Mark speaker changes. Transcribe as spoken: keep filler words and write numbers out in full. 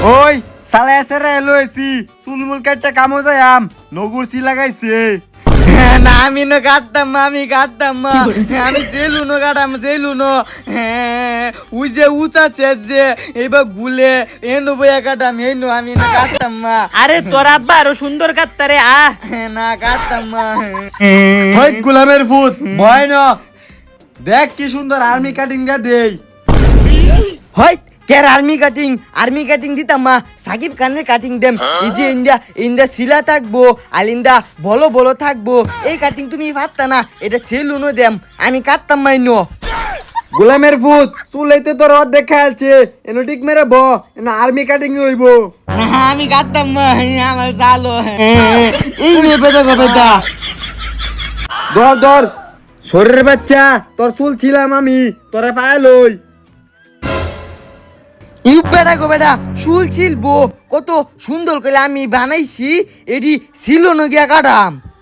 Speaker 1: ওই সালা এসে লইছি চুলমুল কাটতে কামো যায়াম নগুর সি লাগাইছে।
Speaker 2: না আমি নো কাটতাম আমি কাটতাম আমি সেলুনো কাটাম সেলুনো উই যে উঁচা শেষ যে এবার গুলে এনো বইয়া কাটাম এনো আমি না কাটতাম মা।
Speaker 3: আরে তোর আব্বা আরো সুন্দর কাটতারে আ
Speaker 2: না কাটতাম মা।
Speaker 1: হই গোলামের ভূত ভয় না, দেখ কি সুন্দর আর্মি কাটিং গা দেই।
Speaker 2: হয় কের আর্মি কাটিং আর্মি কাটিং দিতাম মা সাকিব খানের কাটিং দেম এই যে ইন্ডিয়া ইন্ডিয়া শিলা থাকবো আলিন্দা বলো বলো থাকবো এই কাটিং তুমি ভাবতা না এটা সেলুনো দেম আমি কাটতাম মাইনো।
Speaker 1: গোলামের ভূত চুলাইতে তোর অর্ধেক খেয়ালছে এনো ঠিক মেরে ব এনো আর্মি কাটিং হইব।
Speaker 2: না আমি কাটতাম মা আমার জালো এই নিয়ে পেতে পেতা
Speaker 1: ধর ধর শরীরের বাচ্চা তোর চুল ছিলাম আমি তোরে পায়ে লই।
Speaker 2: ইউ বেটা গো বেটা চুল ছিলবো কত সুন্দর করে আমি বানাইছি এটি ছিল না গিয়া কাটাম।